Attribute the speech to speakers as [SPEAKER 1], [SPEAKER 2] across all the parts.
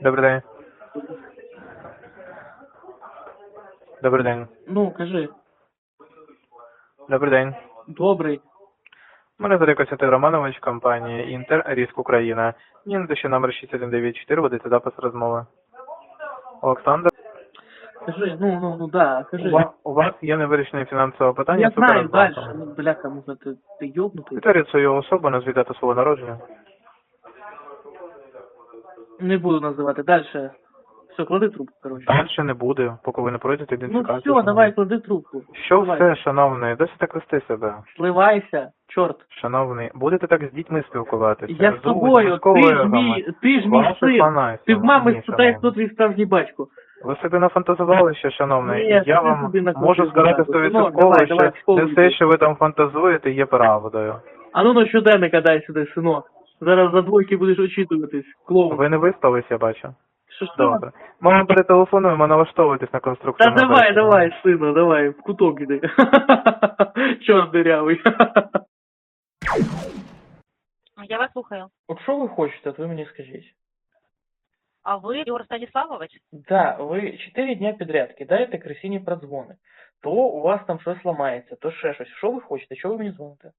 [SPEAKER 1] Добрий день. Добрий день.
[SPEAKER 2] Ну, кажи.
[SPEAKER 1] Добрий день.
[SPEAKER 2] Добрий.
[SPEAKER 1] Мене звати Костянтин Романович, компанія Інтер, Ріск Україна. Мені надає номер 6194, ведеться запис розмови. Олександр,
[SPEAKER 2] Кажи, да, кажи.
[SPEAKER 1] у вас є невирішене фінансове питання
[SPEAKER 2] Я
[SPEAKER 1] з
[SPEAKER 2] знаю
[SPEAKER 1] Укрбанком.
[SPEAKER 2] дальше. Ну, бляха, може ти ёбнутий?
[SPEAKER 1] Підтвердіть свою особу, назвіть дату свого народження.
[SPEAKER 2] Не буду називати. Дальше. Все, клади трубку, короче.
[SPEAKER 1] Дальше не буде, поки ви не пройдете
[SPEAKER 2] Ну
[SPEAKER 1] ідентифікацію.
[SPEAKER 2] все, давай, клади трубку.
[SPEAKER 1] Що
[SPEAKER 2] Давай.
[SPEAKER 1] все, шановний? Досить так вести себе.
[SPEAKER 2] Сливайся, чорт.
[SPEAKER 1] Шановний, будете так з дітьми спілкуватися?
[SPEAKER 2] Я з тобою, ти ж мій син. Ти в мами спитай, хто твій справжній батько.
[SPEAKER 1] Ви собі нафантазували ще, шановний?
[SPEAKER 2] Ні,
[SPEAKER 1] Я
[SPEAKER 2] ти
[SPEAKER 1] вам
[SPEAKER 2] собі
[SPEAKER 1] можу сказати
[SPEAKER 2] нафантазував.
[SPEAKER 1] 100%,
[SPEAKER 2] Давай,
[SPEAKER 1] що
[SPEAKER 2] давай, в школу
[SPEAKER 1] не все,
[SPEAKER 2] йди.
[SPEAKER 1] що ви там фантазуєте, є правдою.
[SPEAKER 2] А ну на щоденника дай сюди, синок. Зараз за двойки будеш очитуватись, клоун.
[SPEAKER 1] Ви не виспались, я бачу.
[SPEAKER 2] Що?
[SPEAKER 1] Добре. Ми вам перетелефонуємо, налаштовуйтесь на
[SPEAKER 2] Та
[SPEAKER 1] конструктивну
[SPEAKER 2] давай,
[SPEAKER 1] бесіду.
[SPEAKER 2] давай, сину, давай, в куток іди. Чорт дырявий.
[SPEAKER 3] Я вас слухаю.
[SPEAKER 2] От що ви хочете, от ви мені скажіть.
[SPEAKER 3] А ви Ігор Станіславович?
[SPEAKER 2] Да, ви 4 дня підряд кидаєте красині продзвони. То у вас там щось ламається, то ще щось. Що ви хочете? Що ви мені дзвоните?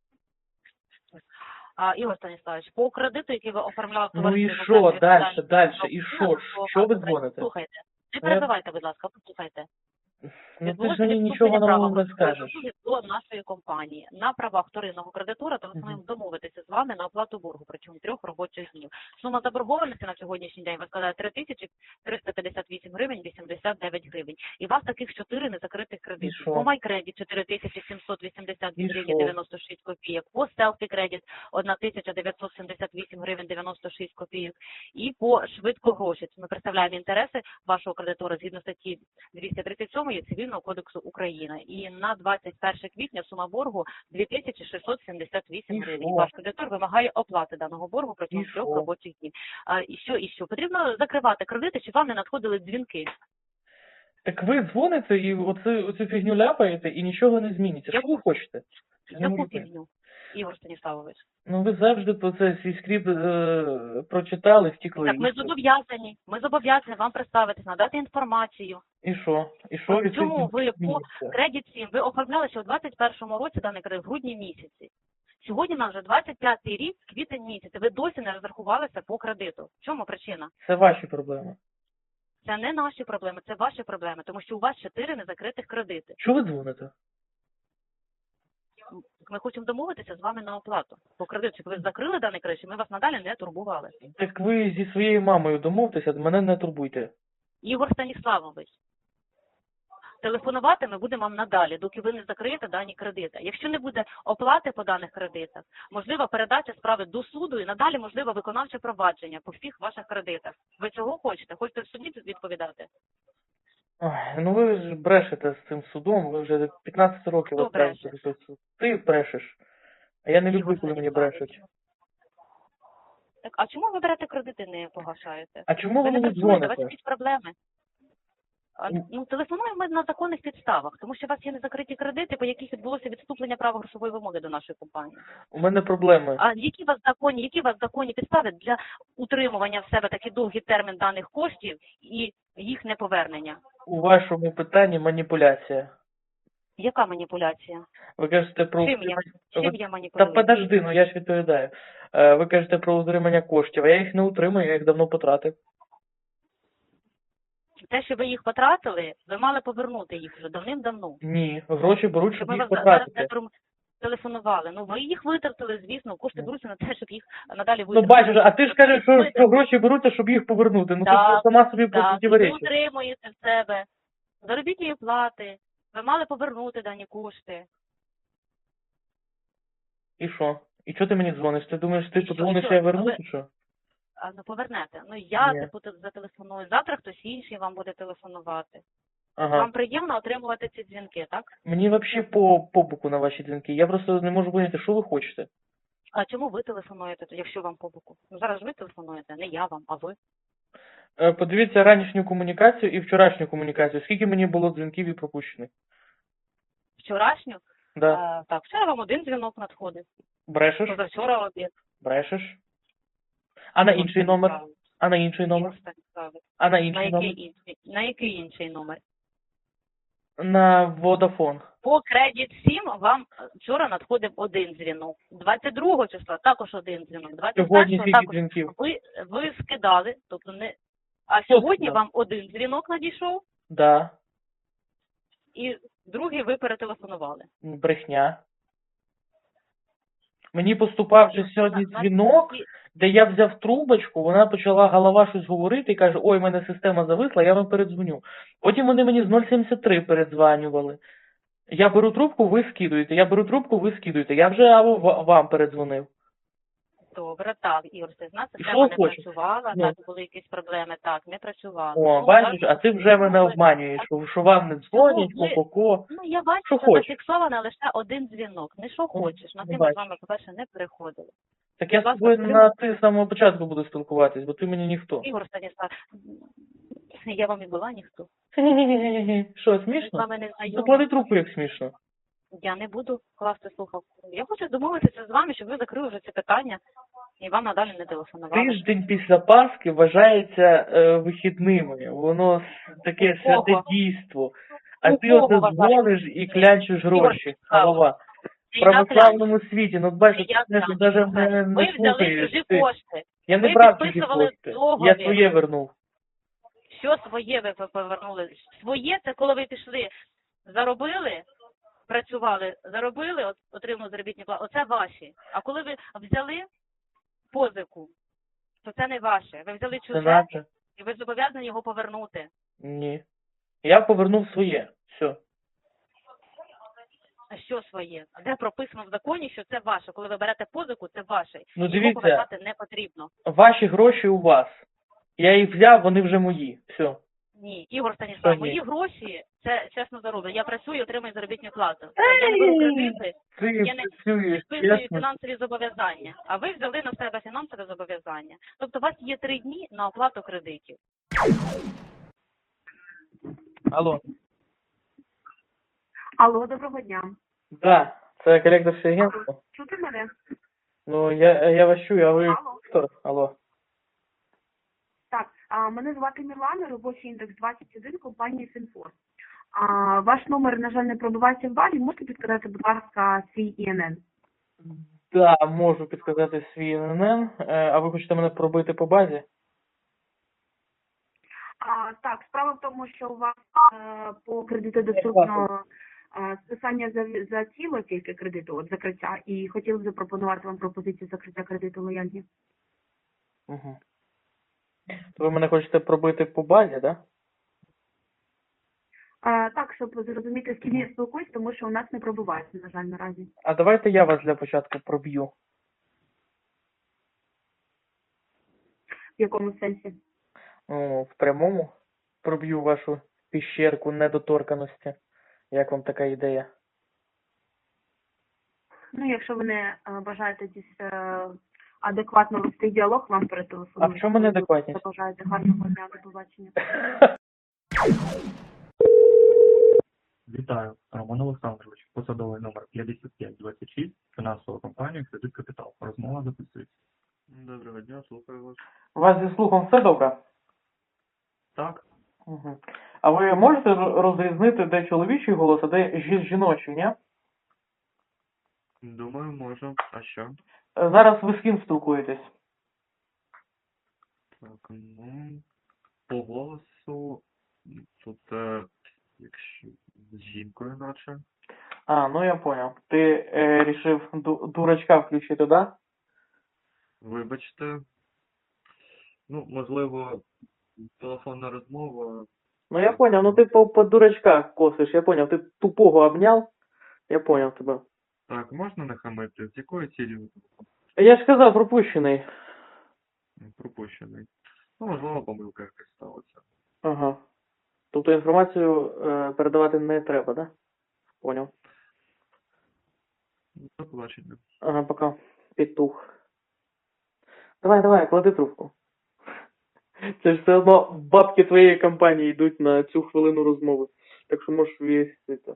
[SPEAKER 3] Ігор Станіславович, по кредиту, який ви оформляли в
[SPEAKER 2] Ну і
[SPEAKER 3] товаристві
[SPEAKER 2] що,
[SPEAKER 3] «Жовтий
[SPEAKER 2] дальше,
[SPEAKER 3] Відповідальний
[SPEAKER 2] дальше, і
[SPEAKER 3] фонд»,
[SPEAKER 2] що ви дзвоните?
[SPEAKER 3] Слухайте, не перебивайте, будь ласка, послухайте.
[SPEAKER 2] Ну ти ж мені нічого нового не скажеш.
[SPEAKER 3] До нашої компанії на правах вторинного кредитора, то ми маємо домовитися з вами на оплату боргу протягом 3 робочих днів. Сума заборгованості на сьогоднішній день складає 3358 гривень 89 гривень. І у вас таких 4 незакритих кредитів. По MyCredit 4782 гривні 96 копійок, по Selfie Credit 1978 гривень 96 копійок. І по швидкогроші. Ми представляємо інтереси вашого кредитора згідно статті 237 Цивільного кодексу України. І на 21 квітня сума боргу 2678 гривень. Ваш кредитор вимагає оплати даного боргу протягом 3 робочих днів. І що? Потрібно закривати кредити, чи вам не надходили дзвінки?
[SPEAKER 2] Так ви дзвоните і оцю фігню ляпаєте і нічого не зміниться. Що ви хочете?
[SPEAKER 3] Яку фігню, Ігор Станіславович?
[SPEAKER 2] Ну ви завжди про це свій скрипт прочитали, втікли.
[SPEAKER 3] Так ми зобов'язані вам представитись, надати інформацію.
[SPEAKER 2] І що?
[SPEAKER 3] Чому ви по Credit 7, ви оформляли ще у 21-му році даний кредит в грудні місяці. Сьогодні нам вже 25-й рік, квітень місяць, ви досі не розрахувалися по кредиту. В чому причина?
[SPEAKER 2] Це ваші проблеми.
[SPEAKER 3] Це не наші проблеми, це ваші проблеми, тому що у вас 4 незакритих кредити.
[SPEAKER 2] Чого ви дзвоните?
[SPEAKER 3] Ми хочемо домовитися з вами на оплату по кредиту, щоб ви закрили даний кредит, щоб ми вас надалі не турбували.
[SPEAKER 2] Так ви зі своєю мамою домовтеся, мене не турбуйте.
[SPEAKER 3] Ігор Станіславович, телефонувати ми будемо вам надалі, доки ви не закриєте дані кредити. Якщо не буде оплати по даних кредитах, можлива передача справи до суду і надалі можливо виконавче провадження по всіх ваших кредитах. Ви цього хочете? Хочете в суді відповідати?
[SPEAKER 2] Ой, ну ви ж брешете з цим судом, ви вже 15 років
[SPEAKER 3] Хто
[SPEAKER 2] відправите до суд. Ти брешеш. А я не люблю, коли мені брешуть.
[SPEAKER 3] Так, а чому ви берете кредити, не погашаєте?
[SPEAKER 2] А чому ви
[SPEAKER 3] не
[SPEAKER 2] мені
[SPEAKER 3] працюєте, у вас
[SPEAKER 2] дзвоните?
[SPEAKER 3] якісь проблеми. Телефонуємо ми на законних підставах, тому що у вас є незакриті кредити, по яких відбулося відступлення права грошової вимоги до нашої компанії.
[SPEAKER 2] У мене проблеми.
[SPEAKER 3] А які у вас законні підстави для утримування в себе такий довгий термін даних коштів і їх неповернення?
[SPEAKER 2] У вашому питанні маніпуляція.
[SPEAKER 3] Яка маніпуляція?
[SPEAKER 2] Ви кажете про...
[SPEAKER 3] Чим я
[SPEAKER 2] Та
[SPEAKER 3] маніпулюю?
[SPEAKER 2] подожди, ну я ж відповідаю. Ви кажете про утримання коштів, а я їх не утримую, я їх давно потратив.
[SPEAKER 3] Те, що ви їх потратили, ви мали повернути їх вже давним-давно.
[SPEAKER 2] Ні, гроші беруть, щоб
[SPEAKER 3] Ми
[SPEAKER 2] їх
[SPEAKER 3] вас зараз
[SPEAKER 2] потратити.
[SPEAKER 3] не телефонували. Ну, ви їх витратили, звісно, кошти беруться на те, щоб їх надалі
[SPEAKER 2] Ну
[SPEAKER 3] витратити.
[SPEAKER 2] бачиш, а ти ж кажеш, що гроші беруться, щоб їх повернути. Ну ти ж сама собі
[SPEAKER 3] Так, ви
[SPEAKER 2] противоречиш.
[SPEAKER 3] утримуєте в себе заробітні плати, ви мали повернути дані кошти.
[SPEAKER 2] І що? І чого ти мені дзвониш? Ти думаєш, ти
[SPEAKER 3] І що,
[SPEAKER 2] подзвониш,
[SPEAKER 3] і що?
[SPEAKER 2] я верну,
[SPEAKER 3] Ви-
[SPEAKER 2] чи що?
[SPEAKER 3] Ну, повернете. Ну, я
[SPEAKER 2] Ні.
[SPEAKER 3] зателефоную. Завтра хтось інший вам буде телефонувати.
[SPEAKER 2] Ага.
[SPEAKER 3] Вам приємно отримувати ці дзвінки, так?
[SPEAKER 2] Мені взагалі по боку на ваші дзвінки. Я просто не можу поняти, що ви хочете.
[SPEAKER 3] А чому ви телефонуєте, якщо вам по боку? Ну, зараз ж ви телефонуєте, не я вам, а ви.
[SPEAKER 2] Подивіться ранішню комунікацію і вчорашню комунікацію. Скільки мені було дзвінків і пропущених?
[SPEAKER 3] Вчорашню?
[SPEAKER 2] Да.
[SPEAKER 3] Так, вчора вам один дзвінок надходив.
[SPEAKER 2] Брешеш?
[SPEAKER 3] Позавчора обід.
[SPEAKER 2] Брешеш? А на інший номер? А на інший номер?
[SPEAKER 3] Ігор Станіславович.
[SPEAKER 2] А на інший номер?
[SPEAKER 3] На який інший номер?
[SPEAKER 2] На Vodafone.
[SPEAKER 3] По кредит 7 вам вчора надходив один дзвінок. 22 числа також один дзвінок.
[SPEAKER 2] Сьогодні
[SPEAKER 3] 21-го
[SPEAKER 2] скільки
[SPEAKER 3] також
[SPEAKER 2] дзвінків?
[SPEAKER 3] ви скидали, тобто не. А
[SPEAKER 2] Хто
[SPEAKER 3] сьогодні
[SPEAKER 2] скидав?
[SPEAKER 3] вам один дзвінок надійшов,
[SPEAKER 2] Да.
[SPEAKER 3] і другий ви перетелефонували.
[SPEAKER 2] Брехня. Мені поступав же сьогодні дзвінок, де я взяв трубочку, вона почала голова щось говорити і каже, ой, в мене система зависла, я вам передзвоню. Потім вони мені з 073 передзванювали. Я беру трубку, ви скидуєте, я беру трубку, ви скидуєте. Я вже вам передзвонив.
[SPEAKER 3] Добре, так, Ігор, це знати,
[SPEAKER 2] І
[SPEAKER 3] система
[SPEAKER 2] що
[SPEAKER 3] не
[SPEAKER 2] хочеш?
[SPEAKER 3] працювала,
[SPEAKER 2] Ну.
[SPEAKER 3] так, були якісь проблеми, так, не працювала.
[SPEAKER 2] О,
[SPEAKER 3] Ну,
[SPEAKER 2] бачиш,
[SPEAKER 3] так,
[SPEAKER 2] а ти вже мене обманюєш, що вам не дзвонять,
[SPEAKER 3] Ну, ви-
[SPEAKER 2] ко-ко-ко.
[SPEAKER 3] Ну, я бачу,
[SPEAKER 2] Що
[SPEAKER 3] що
[SPEAKER 2] хочеш?
[SPEAKER 3] зафіксовано лише один дзвінок. Не що хочеш, на
[SPEAKER 2] не
[SPEAKER 3] тим ми
[SPEAKER 2] бачу.
[SPEAKER 3] з вами, по-перше, не переходили.
[SPEAKER 2] Так я з
[SPEAKER 3] Будь ласка,
[SPEAKER 2] тобою
[SPEAKER 3] скажи.
[SPEAKER 2] на ти з самого початку буду спілкуватись, бо ти мені ніхто.
[SPEAKER 3] Ігор Станіслав, я вам і була ніхто.
[SPEAKER 2] Що,
[SPEAKER 3] Ми з
[SPEAKER 2] смішно?
[SPEAKER 3] вами не знайомі.
[SPEAKER 2] Заклади трубку, як смішно.
[SPEAKER 3] Я не буду класти слухавку. Я хочу домовитися з вами, щоб ви закрили вже це питання і вам надалі не телефонували.
[SPEAKER 2] Тиждень після Пасхи вважається вихідними. Воно таке
[SPEAKER 3] У кого?
[SPEAKER 2] святе дійство. А
[SPEAKER 3] У
[SPEAKER 2] ти
[SPEAKER 3] кого
[SPEAKER 2] оце
[SPEAKER 3] вважається?
[SPEAKER 2] дзвониш і клянчиш гроші,
[SPEAKER 3] Ігор,
[SPEAKER 2] голова. В
[SPEAKER 3] Я
[SPEAKER 2] православному світі, ну бачиш,
[SPEAKER 3] Я
[SPEAKER 2] ти
[SPEAKER 3] клянчу.
[SPEAKER 2] навіть не
[SPEAKER 3] Ви взяли
[SPEAKER 2] слухаєш.
[SPEAKER 3] чужі
[SPEAKER 2] Ти.
[SPEAKER 3] кошти.
[SPEAKER 2] Я не
[SPEAKER 3] Ви
[SPEAKER 2] брав чужі
[SPEAKER 3] підписували
[SPEAKER 2] кошти.
[SPEAKER 3] договір.
[SPEAKER 2] Я своє вернув.
[SPEAKER 3] Що своє ви повернули? Своє це коли ви пішли, заробили, працювали, заробили, отримали заробітні плати. Оце ваші. А коли ви взяли позику, то це не ваше. Ви взяли
[SPEAKER 2] Це
[SPEAKER 3] чуже
[SPEAKER 2] наше?
[SPEAKER 3] і ви зобов'язані його повернути.
[SPEAKER 2] Ні. Я повернув своє. Все.
[SPEAKER 3] А що своє? А де прописано в законі, що це ваше? Коли ви берете позику, це ваше.
[SPEAKER 2] Ну,
[SPEAKER 3] Його
[SPEAKER 2] дивіться.
[SPEAKER 3] повертати не потрібно.
[SPEAKER 2] Ваші гроші у вас. Я їх взяв, вони вже мої. Все.
[SPEAKER 3] Ні, Ігор
[SPEAKER 2] Що
[SPEAKER 3] Станіслав,
[SPEAKER 2] ні?
[SPEAKER 3] мої гроші це чесно зароблено. Я працюю, отримую заробітну плату. Я не беру кредити,
[SPEAKER 2] Ти
[SPEAKER 3] я не
[SPEAKER 2] працюєш,
[SPEAKER 3] підписую
[SPEAKER 2] чесно.
[SPEAKER 3] фінансові зобов'язання. А ви взяли на себе фінансове зобов'язання. Тобто у вас є 3 дні на оплату кредитів.
[SPEAKER 2] Алло.
[SPEAKER 4] Алло, доброго дня.
[SPEAKER 2] Да, це коректорське агентство.
[SPEAKER 4] Чути мене?
[SPEAKER 2] Ну, я вас чую, а ви
[SPEAKER 4] Алло.
[SPEAKER 2] хто? Алло.
[SPEAKER 4] Так, мене звати Мілана, робочий індекс 21, компанії Синфор. Ваш номер, на жаль, не пробивається в базі. Можете підказати, будь ласка, свій ІНН?
[SPEAKER 2] Да, можу підказати свій ННН. А ви хочете мене пробити по базі?
[SPEAKER 4] Так, справа в тому, що у вас по кредиту доступно списання за тіло тільки кредиту, от закриття, і хотіли б запропонувати вам пропозицію закриття кредиту лояльні.
[SPEAKER 2] Угу. То ви мене хочете пробити по базі, да?
[SPEAKER 4] Так, щоб зрозуміти, з ким я спілкуюсь, тому що у нас не пробивається, на жаль, наразі.
[SPEAKER 2] А давайте я вас для початку проб'ю.
[SPEAKER 4] В якому сенсі?
[SPEAKER 2] Ну, в прямому проб'ю вашу піщерку недоторканості. Як вам така ідея?
[SPEAKER 4] Ну, якщо ви не бажаєте адекватно вести діалог, вам перетелефонують.
[SPEAKER 2] А в чому неадекватність?
[SPEAKER 4] Бажаєте гарного дня, до побачення.
[SPEAKER 5] Вітаю, Роман Олександрович, посадовий номер 5526, фінансова компанія «Кредит Капітал». Розмова записується. Доброго дня, слухаю вас.
[SPEAKER 2] У вас зі слухом все добре?
[SPEAKER 5] Так,
[SPEAKER 2] Угу. А ви можете розрізнити, де чоловічий голос, а де жіночий, ні?
[SPEAKER 5] думаю, можу. А що?
[SPEAKER 2] Зараз ви з ким спілкуєтесь?
[SPEAKER 5] Так, ну, по голосу, тут, якщо з жінкою наче.
[SPEAKER 2] А, ну я понял. Ти рішив дурачка включити, да?
[SPEAKER 5] Вибачте. Ну, можливо, телефонна розмова.
[SPEAKER 2] Ну я понял, ну ти по дурачках косиш, я понял. Ти тупого обняв, я понял тебе.
[SPEAKER 5] Так, можна не хамити? З якою цілею
[SPEAKER 2] Я ж казав, пропущений.
[SPEAKER 5] пропущений? Ну, можливо, помилка якась сталася.
[SPEAKER 2] Ага. Тобто інформацію передавати не треба, да? Понял.
[SPEAKER 5] До побачення.
[SPEAKER 2] Ага, пока. Петух. Давай, клади трубку. Це ж все одно бабки твоєї компанії йдуть на цю хвилину розмови. Так що можеш вістити.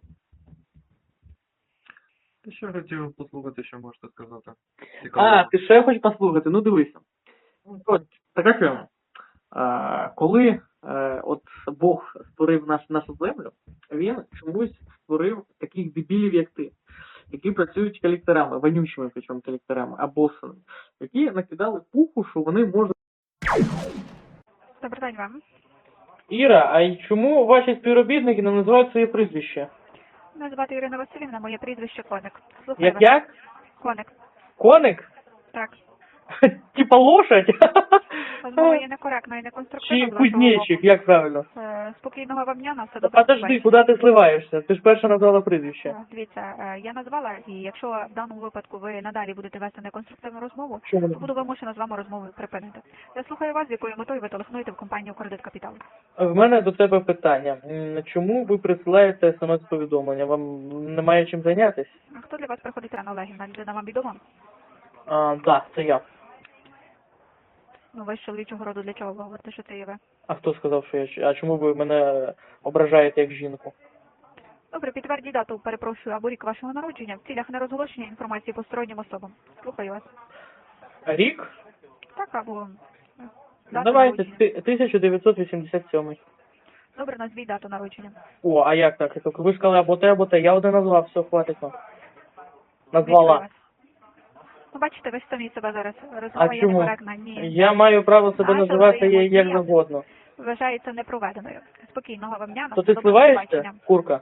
[SPEAKER 5] Ти що хотів послухати, що можете сказати?
[SPEAKER 2] А, ти ще хочеш послухати? Ну дивися. От, така тема. Коли от Бог створив нашу землю, він чомусь створив таких дебілів, як ти, які працюють колекторами, вонючими причому колекторами, абосами, які накидали пуху, що вони можуть...
[SPEAKER 6] Добрий день вам.
[SPEAKER 2] Іра, а й чому ваші співробітники не називають своє прізвище?
[SPEAKER 6] Мене звати Ірина Васильівна, моє прізвище Коник. Слухаю вас.
[SPEAKER 2] Як?
[SPEAKER 6] Коник.
[SPEAKER 2] Коник?
[SPEAKER 6] Так.
[SPEAKER 2] Типа лошадь?
[SPEAKER 6] Розмова є некоректна і неконструктивна.
[SPEAKER 2] Чи кузнечик, як правильно?
[SPEAKER 6] Спокійного вам дня, на все добре.
[SPEAKER 2] Подожди, куди ти сливаєшся? Ти ж перша назвала прізвище.
[SPEAKER 6] Дивіться, я назвала, і якщо в даному випадку ви надалі будете вести неконструктивну розмову,
[SPEAKER 2] Чому?
[SPEAKER 6] то буду вимушена з вами розмову припинити. Я слухаю вас, з якою метою ви телефонуєте в компанію «Кредит Капітал».
[SPEAKER 2] В мене до тебе питання. Чому ви присилаєте смс-повідомлення? Вам немає чим зайнятися?
[SPEAKER 6] А хто для вас приходить Анна Олегівна? Людина вам відома?
[SPEAKER 2] Так, це я.
[SPEAKER 6] Ну, ви з чоловічого роду для чого ви говорите, що це є ви?
[SPEAKER 2] А хто сказав, що я... А чому ви мене ображаєте як жінку?
[SPEAKER 6] Добре, підтвердіть дату, перепрошую, або рік вашого народження в цілях нерозголошення інформації постороннім особам. Слухаю вас.
[SPEAKER 2] Рік?
[SPEAKER 6] Так, або дату
[SPEAKER 2] Давайте,
[SPEAKER 6] народження.
[SPEAKER 2] 1987.
[SPEAKER 6] Добре, назвіть дату народження.
[SPEAKER 2] О, а як так? Ви ж сказали або те, я один назвав, все, хватить вам.
[SPEAKER 6] Слухаю
[SPEAKER 2] Назвала.
[SPEAKER 6] вас. Ну, бачите, ви ж самі себе зараз.
[SPEAKER 2] А
[SPEAKER 6] Розмова є
[SPEAKER 2] чому?
[SPEAKER 6] некоректна. Ні.
[SPEAKER 2] Я маю право себе
[SPEAKER 6] Наша
[SPEAKER 2] називати як
[SPEAKER 6] взаємодія
[SPEAKER 2] завгодно.
[SPEAKER 6] Вважається непроведеною. Спокійного вам дня. на
[SPEAKER 2] То
[SPEAKER 6] все
[SPEAKER 2] ти
[SPEAKER 6] добре,
[SPEAKER 2] сливаєшся,
[SPEAKER 6] побачення.
[SPEAKER 2] курка?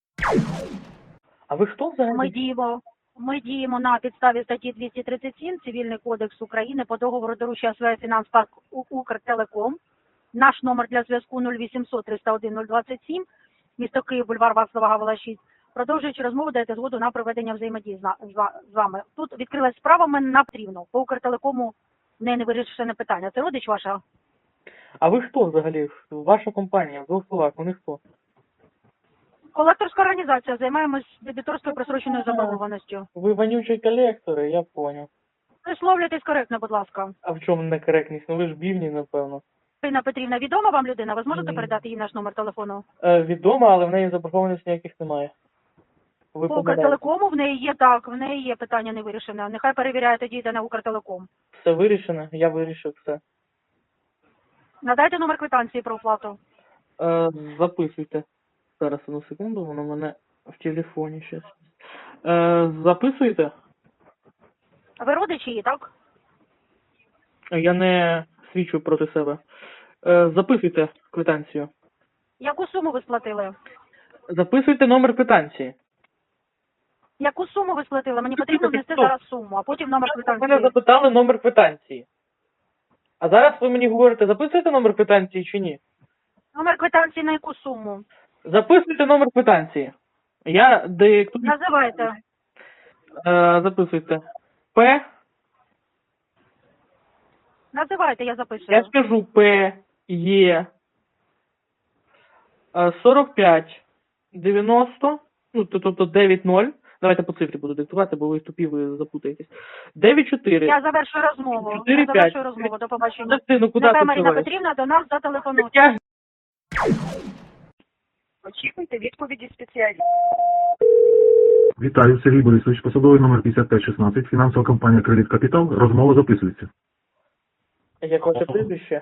[SPEAKER 2] А ви хто взагалі?
[SPEAKER 3] Ми діємо на підставі статті 237 Цивільний кодекс України по договору доручення СВ «Фінанспарк Укртелеком». Наш номер для зв'язку 0800 301 027, місто Київ, бульвар Вацлава Гавела 6. Продовжуючи розмову, даєте згоду на проведення взаємодії з вами. Тут відкрилась справа, мене на потрібно. По Укртелекому не вирішене питання. Це родич ваша?
[SPEAKER 2] А ви хто взагалі? Ваша компанія, в двох словах, вони хто?
[SPEAKER 3] Колекторська організація, займаємось дебіторською просроченою заборгованістю.
[SPEAKER 2] Ви вонючі колектори, я поняв.
[SPEAKER 3] Висловлюйтесь коректно, будь ласка.
[SPEAKER 2] А в чому некоректність? Ну ви ж бівні, напевно.
[SPEAKER 3] Ірина Петрівна, відома вам людина? Ви зможете
[SPEAKER 2] Ні.
[SPEAKER 3] передати їй наш номер телефону?
[SPEAKER 2] Відомо, але в неї заборгованості ніяких немає. Ви
[SPEAKER 3] По
[SPEAKER 2] помиляєте.
[SPEAKER 3] Укртелекому в неї є так, в неї є питання не вирішене. Нехай перевіряє тоді йде на Укртелеком.
[SPEAKER 2] Все вирішено, я вирішив все.
[SPEAKER 3] Надайте номер квитанції про оплату.
[SPEAKER 2] Записуйте. Зараз, одну секунду, воно в мене в телефоні щас. Записуйте.
[SPEAKER 3] Ви родичі її, так?
[SPEAKER 2] Я не свідчу проти себе. Записуйте квитанцію.
[SPEAKER 3] Яку суму ви сплатили?
[SPEAKER 2] Записуйте номер квитанції.
[SPEAKER 3] Яку суму ви сплатили? Мені
[SPEAKER 2] Ну,
[SPEAKER 3] потрібно
[SPEAKER 2] тільки
[SPEAKER 3] внести
[SPEAKER 2] стоп.
[SPEAKER 3] зараз суму, а потім номер
[SPEAKER 2] Ви мене
[SPEAKER 3] квитанції.
[SPEAKER 2] запитали номер квитанції. А зараз ви мені говорите, записуєте номер квитанції чи ні?
[SPEAKER 3] Номер квитанції на яку суму?
[SPEAKER 2] Записуйте номер квитанції. Я диктую.
[SPEAKER 3] Називайте.
[SPEAKER 2] Записуйте. П.
[SPEAKER 3] Називайте, я запишу.
[SPEAKER 2] Я скажу П. Є. 45. 90. Ну, тобто 9-0. Давайте по цифрі буду диктувати, бо ви тупі, ви запутаєтесь. 9-4.
[SPEAKER 3] Я завершую розмову.
[SPEAKER 2] 4-5.
[SPEAKER 3] Я завершую розмову. До побачення.
[SPEAKER 2] Ну куди
[SPEAKER 3] Нехай
[SPEAKER 2] ти
[SPEAKER 3] Марина
[SPEAKER 2] сховаєш?
[SPEAKER 3] Петрівна до нас зателефонує.
[SPEAKER 2] Я ж
[SPEAKER 6] Очікуйте відповіді спеціалістів.
[SPEAKER 7] Вітаю, Сергій Борисович, посадовий номер 5516, фінансова компанія «Кредит Капітал». Розмова записується.
[SPEAKER 2] як ваше прізвище?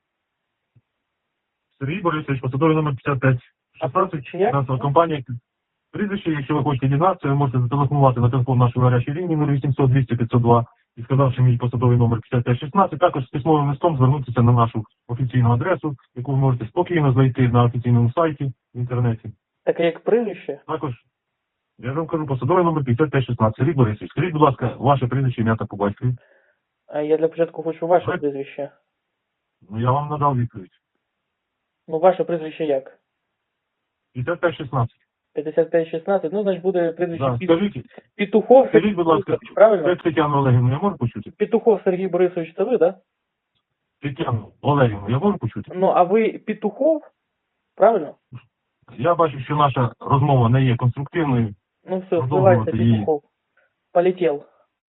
[SPEAKER 5] Сергій Борисович, посадовий номер 5516,
[SPEAKER 2] А як?
[SPEAKER 5] фінансова компанія. Прізвище, якщо ви хочете дізнатися, ви можете зателефонувати на телефон нашої гарячої лінії 0800 200 502 і сказавши мій посадовий номер 5516, також з письмовим листом звернутися на нашу офіційну адресу, яку ви можете спокійно знайти на офіційному сайті в інтернеті.
[SPEAKER 2] Таке як прізвище?
[SPEAKER 5] Також, я ж вам кажу, посадовий номер 5516. Сергій Борисович, скажіть, будь ласка, ваше прізвище, ім'я та по батькові.
[SPEAKER 2] Я для початку хочу ваше
[SPEAKER 5] Ви?
[SPEAKER 2] прізвище.
[SPEAKER 5] Ну, я вам надав відповідь.
[SPEAKER 2] Ну, ваше прізвище як?
[SPEAKER 5] 5516.
[SPEAKER 2] 5516, ну, значить буде прізвище
[SPEAKER 5] Да, скажіть,
[SPEAKER 2] Петухов
[SPEAKER 5] скажіть,
[SPEAKER 2] Сергій
[SPEAKER 5] будь ласка,
[SPEAKER 2] Борисович, правильно?
[SPEAKER 5] це Тетяну Олегівну я можу почути?
[SPEAKER 2] Петухов Сергій Борисович, це ви, да?
[SPEAKER 5] Тетяну Олегівну я можу почути?
[SPEAKER 2] Ну, а ви Петухов, правильно?
[SPEAKER 5] Я бачу, що наша розмова не є конструктивною.
[SPEAKER 2] Ну, все,
[SPEAKER 5] Продовжувати
[SPEAKER 2] вбивайте
[SPEAKER 5] її.
[SPEAKER 2] Петухов. Полетел.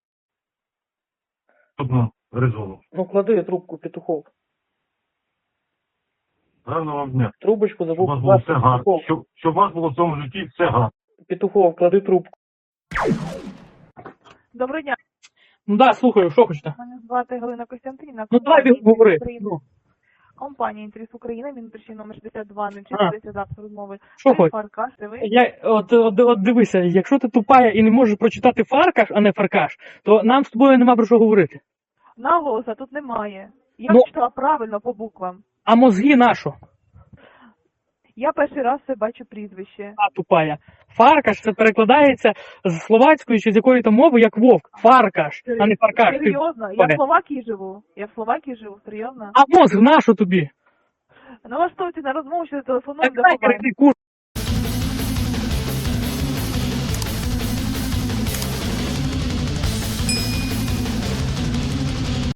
[SPEAKER 5] Одну резону.
[SPEAKER 2] Ну, клади трубку, Петухов.
[SPEAKER 5] Гарного вам дня.
[SPEAKER 2] Трубочку
[SPEAKER 5] Щоб у
[SPEAKER 2] забув
[SPEAKER 5] вас було
[SPEAKER 2] класти,
[SPEAKER 5] все гарно.
[SPEAKER 2] Петухов.
[SPEAKER 5] Щоб у вас було в цьому житті все гарно.
[SPEAKER 2] Петухов, клади трубку.
[SPEAKER 6] Доброго дня.
[SPEAKER 2] Ну да, слухаю, що хочете?
[SPEAKER 6] Мене звати Галина Костянтинівна.
[SPEAKER 2] Ну давай говори.
[SPEAKER 6] Компанія
[SPEAKER 2] Ну.
[SPEAKER 8] Компанія «Інтерес України», Мінпричин номер 6204, запис розмови.
[SPEAKER 2] Що
[SPEAKER 8] Ви
[SPEAKER 2] хоч?
[SPEAKER 8] Фаркаш, це ви?
[SPEAKER 2] От дивися, якщо ти тупая і не можеш прочитати фаркаш, а не фаркаш, то нам з тобою нема про що говорити.
[SPEAKER 8] Наголоса тут немає. Я
[SPEAKER 2] Ну-
[SPEAKER 8] читала правильно по буквам.
[SPEAKER 2] А мозги нашо?
[SPEAKER 8] Я перший раз це бачу прізвище.
[SPEAKER 2] А тупая. Фаркаш це перекладається з словацької чи з якої там мови як вовк. Фаркаш, а не фаркаш. Ти
[SPEAKER 8] Серйозно? Я
[SPEAKER 2] тупая.
[SPEAKER 8] в Словакії живу. Я в Словакії живу, серйозно.
[SPEAKER 2] А мозг нашо тобі?
[SPEAKER 8] Налаштуйте на розмову, що телефонуємо
[SPEAKER 2] Так
[SPEAKER 8] до
[SPEAKER 2] дай,
[SPEAKER 8] побачення.
[SPEAKER 2] ти кур...